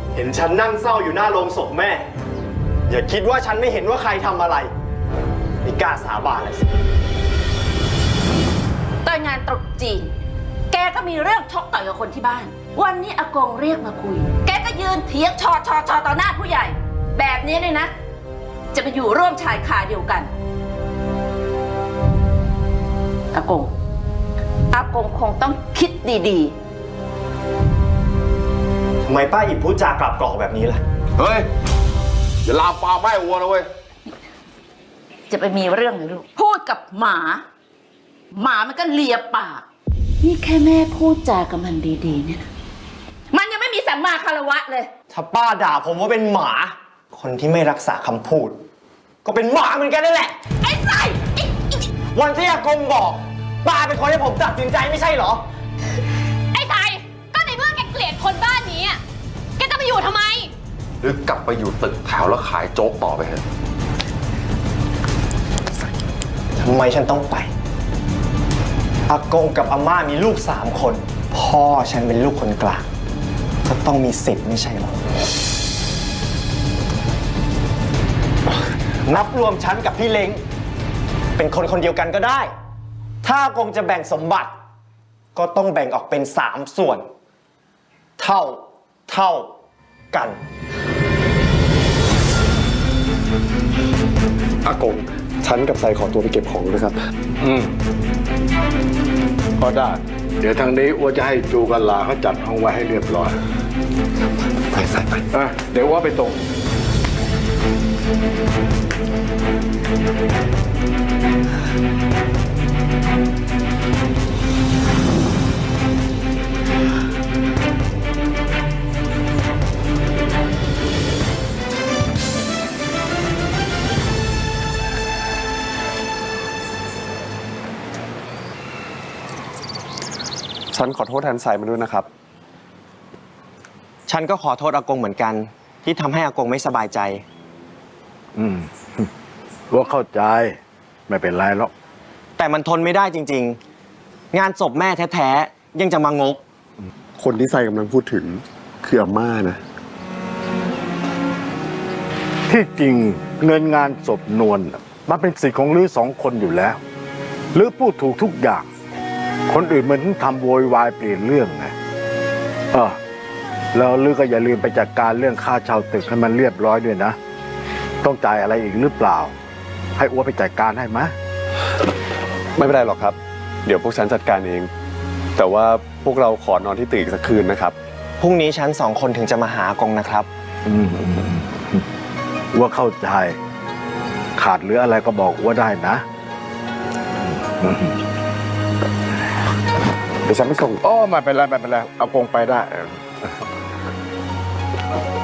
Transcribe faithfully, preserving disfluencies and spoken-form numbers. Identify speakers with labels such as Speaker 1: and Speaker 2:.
Speaker 1: เห็นฉันนั่งเศร้าอยู่หน้าโรงศพแม่อย่าคิดว่าฉันไม่เห็นว่าใครทำอะไรไม่กล้าสาบานเลยสิ
Speaker 2: ตอนงานตรุษจีนแกก็มีเรื่องชกต่อยกับคนที่บ้านวันนี้อากงเรียกมาคุยแกก็ยืนเถียงชอชอชอต่อหน้าผู้ใหญ่แบบนี้เลยนะจะไปอยู่ร่วมชายคาเดียวกันอากงอากงคงต้องคิดดี
Speaker 1: ๆทำไมป้าอิบพูดจากลับกรอกแบบนี้ล่ะ
Speaker 3: เฮ้ยอย่าลามปามแม่วัวนะเว้ย
Speaker 2: จะไปมีเรื่องเลยลูกพูดกับหมาหมามันก็เลียปากนี่แค่แม่พูดจากับมันดีๆเนี่ยนะมันยังไม่มีสัมมาคารวะเลย
Speaker 1: ถ้าป้าด่าผมว่าเป็นหมาคนที่ไม่รักษาคำพูดก็เป็นหมาเหมือนกันนั่นแหละ
Speaker 2: ไอ้ไส้
Speaker 1: วันที่อากงบอกป้าเป็นคนให้ผมตัดสินใจไม่ใช่เหรอ
Speaker 4: ไอ้ไส้ก็ในเมื่อแกเกลียดคนบ้านนี้แกจะไปอยู่ทำไม
Speaker 3: หรือกลับไปอยู่ตึกแถวแล้วขายโจ๊กต่อไปเถอะ
Speaker 1: ทำไมฉันต้องไปอากงกับอาม่ามีลูกสามคนพ่อฉันเป็นลูกคนกลางก็ต้องมีสิทธิ์ไม่ใช่หรอนับรวมฉันกับพี่เล้งเป็นคนคนเดียวกันก็ได้ถ้าอากงจะแบ่งสมบัติก็ต้องแบ่งออกเป็นสามส่วนเท่าเท่ากัน
Speaker 5: อากงฉันกับไซขอตัวไปเก็บของนะครับ
Speaker 6: อืมก็ได้เดี๋ยวทางนี้อ้วจะให้จูกันลาเขาจัดห้องไว้ให้เรียบร้อย
Speaker 5: ไปใส่ไป
Speaker 6: อ่ะเดี๋ยวว่าไปตรง
Speaker 5: ฉันขอโทษแทนไซมาด้วยนะครับ
Speaker 1: ฉันก็ขอโทษอากงเหมือนกันที่ทำให้อากงไม่สบายใจ
Speaker 6: อืมว่าเข้าใจไม่เป็นไรหรอก
Speaker 1: แต่มันทนไม่ได้จริงๆงานศพแม่แท้ๆยังจะมางก
Speaker 5: คนที่ไซกำลังพูดถึงคืออาม่านะ
Speaker 6: ที่จริงเงินงานศพนวลมันเป็นสิทธิ์ของลือสองคนอยู่แล้วลือพูดถูกทุกอย่างคนอื่นมันทำโวยวายเปลี่ยนเรื่องไงเออแล้วลือก็อย่าลืมไปจัดการเรื่องค่าเช่าตึกให้มันเรียบร้อยด้วยนะต้องจ่ายอะไรอีกหรือเปล่าให้อ้วไปจัดการให้ไหม
Speaker 5: ไม่เป็นไรหรอกครับเดี๋ยวพวกฉันจัดการเองแต่ว่าพวกเราขอนอนที่ตึกอีกสักคืนนะครับ
Speaker 1: พรุ่งนี้ฉันสองคนถึงจะมาหาอากงนะครับ
Speaker 6: อืมอ้วเข้าใจขาดหรืออะไรก็บอกอ้วได้นะ
Speaker 5: เดี๋ยวฉันไปส่ง
Speaker 6: อ๋อไม่เป็นไรไม่เป็นไรเอากงไปได้